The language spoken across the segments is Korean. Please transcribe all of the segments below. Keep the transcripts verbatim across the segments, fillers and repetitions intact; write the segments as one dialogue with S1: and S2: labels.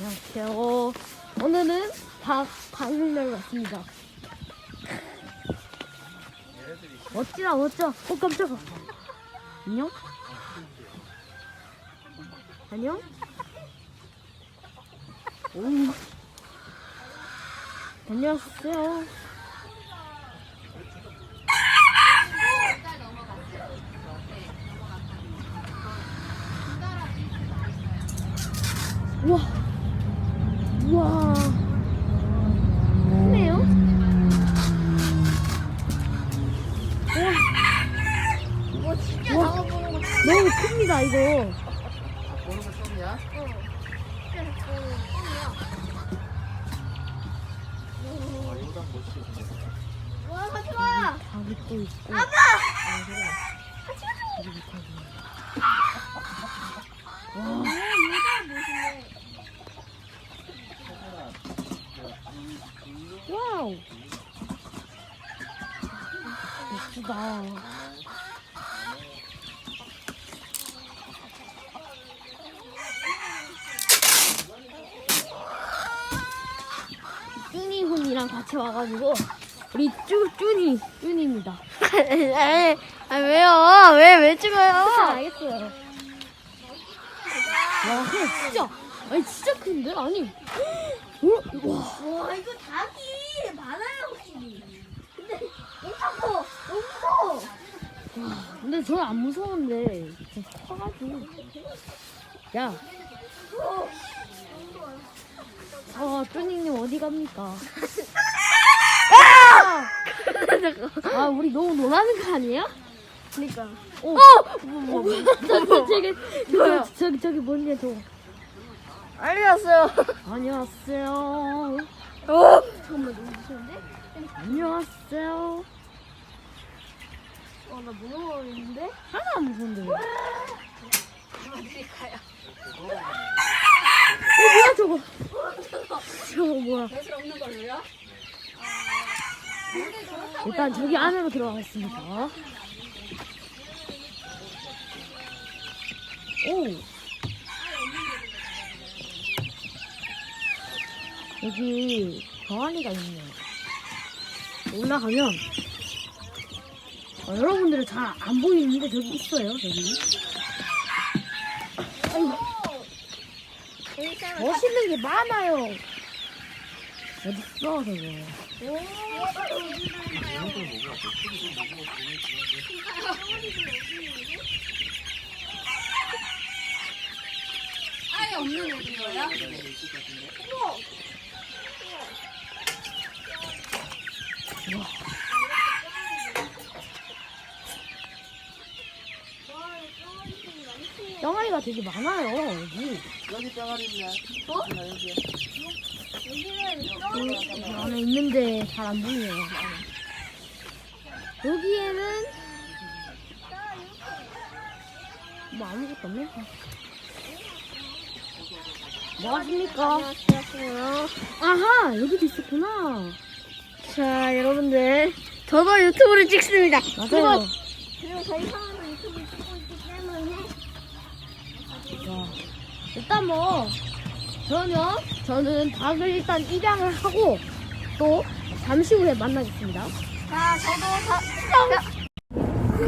S1: 안녕하세요. 오늘은 닭 방문을 왔습니다. 멋지다 멋져. 어 깜짝아. 안녕? 안녕? 오. 안녕하세요. 우와. 우와. 크네요? 우와.
S2: 이거 진짜
S1: 우와.
S2: 나와보는 거
S1: 너무 큽니다, 이거.
S3: 보는 거 처음이야?
S2: 어. 진짜 좋은 꿈이야.
S3: 아, 이거랑 멋있게 생겼어.
S2: 와, 같이 와.
S1: 닭이 또 있고.
S2: 아빠.
S1: 같이 와.
S2: 아, 얘가 멋있네.
S1: 와우. 예쁘다. 쭈니 훈이랑 같이 와가지고 우리 쭈 쭈니 쭈니입니다.
S2: 아, 왜요? 왜, 왜 찍어요?
S1: 알겠어요. 와, 근데 진짜 아니 진짜 큰데 아니. 어? 와.
S2: 와, 이거 닭이 많아요, 확실히. 근데 엄청 커. 너무 커.
S1: 근데 저는 안 무서운데 진짜 커가지고. 야. 어, 쭈니님 어디 갑니까? 아, 우리 너무 놀라는 거 아니야?
S2: 그니까.
S1: 오, 어, 뭐, 뭐, 저기, 저기,
S2: 뭐야?
S1: 저기, 저기, 저기 뭔데 저?
S2: 알렸어요.
S1: 안녕하세요.
S2: 어? 잠깐만, 너무 무서운데?
S1: 안녕하세요.
S2: 어, 나 무서워했는데?
S1: 하나 안 무서운데. 왜? 어, 뭐야 저거? 저거 뭐야?
S2: 배슬 없는 걸로요?
S1: 일단 저기 안으로 들어가겠습니다. 오. 여기 병아리가 있네요. 올라가면 어, 여러분들은 잘 안 보이는데 저기 있어요. 저기. 아이고, 멋있는 게 많아요. 어디 있어 저거?
S2: 아예 없는 애들이에요?
S1: 병아리가 되게 많아요 여기.
S3: 여기 병아리 있네.
S2: 어?
S3: 나 여기.
S2: 여기는
S1: 여기 안에 있는데 잘 안 보이네요. 여기에는 뭐 아무것도 없네. 뭐 하십니까?
S2: 안녕하세요.
S1: 아하, 여기도 있었구나.
S2: 자, 여러분들. 저도 유튜브를 찍습니다.
S1: 맞아요.
S2: 그리고 저희 상황도 유튜브를 찍고 있기 때문에.
S1: 자, 일단 뭐 그러면 저는 닭을 일단 입양을 하고 또 잠시 후에 만나겠습니다.
S2: 자, 저도 다, 자,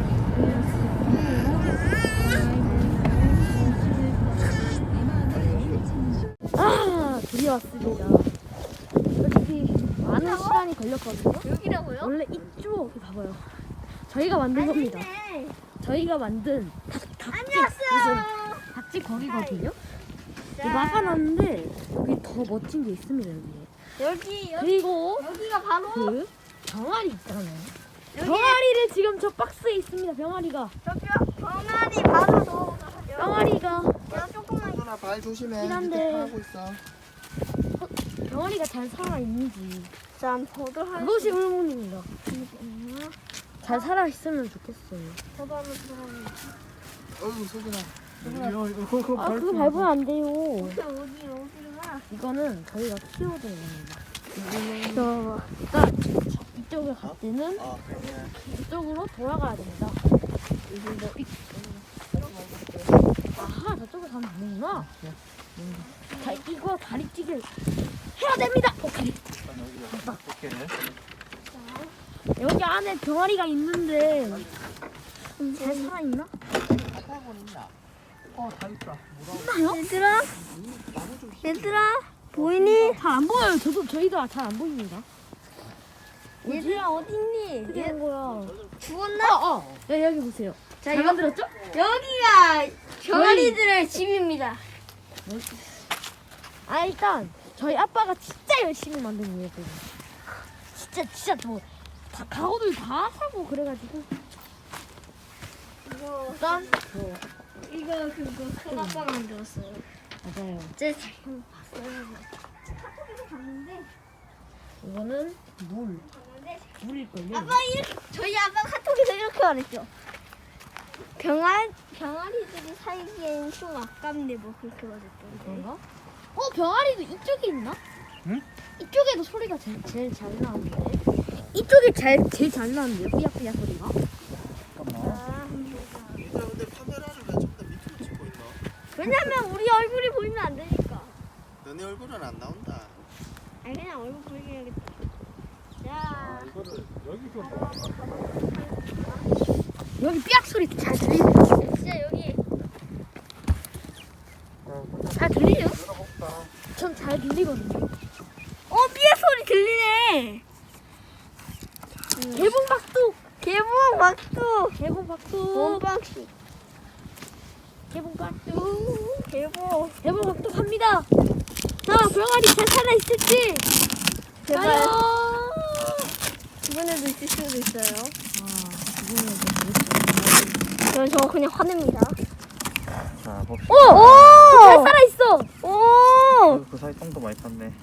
S1: 아, 드디어 왔습니다. 솔직히 많은 시간이 걸렸거든요.
S2: 여기라고요?
S1: 원래 이쪽에 봐봐요. 저희가 만든 겁니다.
S2: 네.
S1: 저희가 만든 닭, 닭집
S2: 안녕하세요.
S1: 닭집 거기거든요. 이거 막아놨는데 여기 더 멋진 게 있습니다. 여기.
S2: 여기, 여기,
S1: 그리고
S2: 여기가 바로.
S1: 그 병아리 있잖아요.
S2: 여기.
S1: 병아리를 지금 저 박스에 있습니다. 병아리가.
S2: 저기요, 병아리 바로 넣어가요.
S1: 병아리가
S2: 야, 조금만.
S3: 누나 발 조심해.
S1: 그렇긴
S3: 밑에
S1: 한데.
S3: 파고 있어.
S1: 병아리가 잘 살아 있는지
S2: 자, 저도 할
S1: 그것이 의문입니다.
S2: 있나?
S1: 잘 살아 있으면 좋겠어요.
S2: 저도 한번 들어가면.
S3: 어이구 소진아. 이거 이거 그거
S1: 아 그거
S3: 밟고
S1: 밟으면 안 돼요.
S2: 어디, 어디, 어디가?
S1: 이거는 저희가 키워드는 겁니다.
S2: 저,
S1: 일단 이쪽에 갈 때는
S3: 아, 그러네.
S1: 이쪽으로 돌아가야 됩니다. 그리고 이- 아하, 저쪽으로 가면 되는구나. 자, 이거 다리찌개 해야 됩니다. 오케이.
S3: 일단 여기다 두께를.
S1: 여기 안에 병아리가 있는데 잘 살아있나?
S3: 사과는 있나? 어, 다 있다. 뭐라고?
S1: 있나요?
S2: 얘들아,
S3: 나무 좀
S2: 얘들아, 보이니?
S1: 잘 안 보여요. 저도 저희도 잘 안 보입니다.
S2: 얘들아, 어딨니?
S1: 어떻게 된 거야?
S2: 죽었나?
S1: 어, 어. 야, 여기 보세요.
S2: 자,
S1: 잘
S2: 이거-
S1: 만들었죠?
S2: 여기가 병아리들의 집입니다.
S1: 아, 일단 저희 아빠가 진짜 열심히 만든 거예요. 그거. 진짜 진짜 뭐 다 가구들 다 사고 그래가지고
S2: 이거,
S1: 일단
S2: 이거 그거 큰 아빠 만들었어요.
S1: 맞아요.
S2: 제 잘못 봤어요. 카톡에서 봤는데,
S1: 이거는 물
S2: 봤는데
S1: 물일걸요.
S2: 아빠 이렇게 저희 아빠 카톡에서 이렇게 말했죠. 병아 병아리들이 살기엔 좀 아깝네 뭐 그렇게 말했던데.
S1: 그런가? 어, 병아리도 이쪽에 있나?
S3: 응?
S1: 이쪽에도 소리가 제일, 제일 잘 나는데. 이쪽에 잘, 제일 잘 나는데요, 삐약삐약 소리가.
S3: 잠깐만.
S2: 아,
S3: 얘들아, 근데 카메라를 왜 저기다 밑으로 찍고 있나?
S2: 왜냐면 우리 얼굴이 보이면 안 되니까.
S3: 너네 얼굴은 안 나온다.
S2: 아니 그냥 얼굴 보이게 해야겠다.
S3: 아,
S2: 자,
S3: 이거를 여기서
S1: 여기 삐약 소리 잘 들리죠?
S2: 진짜 여기
S1: 잘 들리죠?
S3: 열어볼까?
S1: 전 잘 들리거든요.
S2: 어 삐에 소리 들리네.
S1: 개봉박두!
S2: 개봉 박수.
S1: 개봉박두!
S2: 본방식.
S1: 개봉박두!
S2: 개봉.
S1: 개봉박두 갑니다! 자, 병아리 잘 살아있을지!
S2: 제발.
S1: 가요!
S2: 이번에도 있을 수도 있어요.
S1: 아, 이거는
S2: 저는 저거 그냥 화냅니다.
S3: 자, 봅시다.
S1: 오!
S2: 오!
S1: 잘 살아있어!
S2: 오!
S3: 그, 그 사이 똥도 많이 탔네.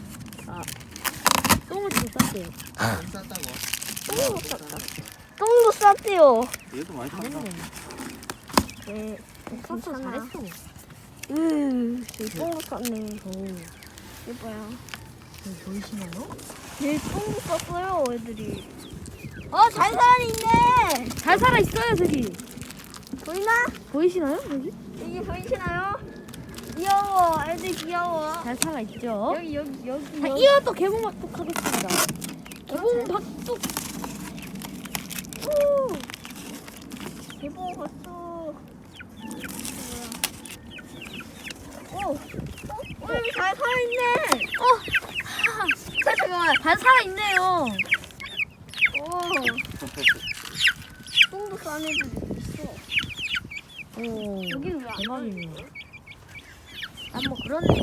S1: 똥을 좀 쌌대요.
S3: 안 쌌다고?
S2: 똥도 쌌다. 똥도 쌌대요.
S3: 얘도 많이 탔다.
S1: 잘했네.
S2: 네.
S1: 쌌어,
S2: 괜찮아.
S1: 잘했어.
S2: 음, 여기 똥도 쌌네.
S1: 오,
S2: 예뻐요.
S1: 여기 보이시나요?
S2: 네, 똥도 쌌어요, 애들이. 어, 잘 살아있네.
S1: 잘 살아있어요, 저기.
S2: 보이나?
S1: 보이시나요, 여기?
S2: 여기 보이시나요? 귀여워, 애들 귀여워.
S1: 잘 살아있죠?
S2: 여기, 여기, 여기.
S1: 자,
S2: 여기.
S1: 이어또 개봉박둑 하겠습니다. 개봉박둑!
S2: 오! 개봉 봤어. 오! 어, 여기 잘 살아있네.
S1: 어!
S2: 자, 잠깐만.
S1: 잘 살아있네요.
S2: 오. 똥도 싼 애들이 있어.
S1: 오,
S2: 여기 왜안
S1: 대박이네요. 아, 뭐, 그렇네요.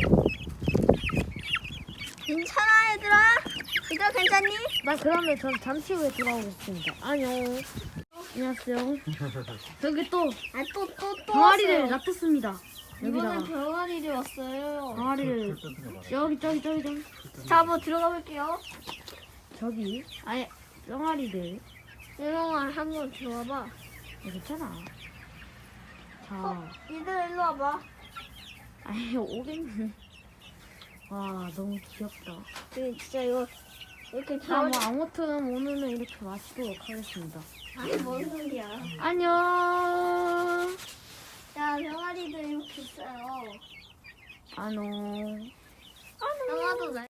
S2: 괜찮아, 얘들아? 얘들아, 괜찮니?
S1: 나 그러면 전 잠시 후에 돌아오겠습니다. 안녕. 안녕하세요. 저기 또
S2: 아, 또, 또, 또.
S1: 병아리를
S2: 왔어요.
S1: 놔뒀습니다.
S2: 이번엔
S1: 여기다가
S2: 병아리를 왔어요.
S1: 병아리를 여기 저기 저기 저기
S2: 자, 한번 들어가 볼게요.
S1: 저기 아예 병아리들
S2: 유롱아, 한번 들어와봐.
S1: 괜찮아. 자,
S2: 어, 얘들아, 일로 와봐.
S1: 아예 오겠네. 와, 너무 귀엽다.
S2: 그, 진짜 이거, 이렇게
S1: 자,
S2: 병아리.
S1: 뭐 아무튼 오늘은 이렇게 마치도록 하겠습니다.
S2: 아니, 뭔 소리야.
S1: 안녕.
S2: 자, 병아리들 이렇게 있어요.
S1: 안녕.
S2: 형아도 날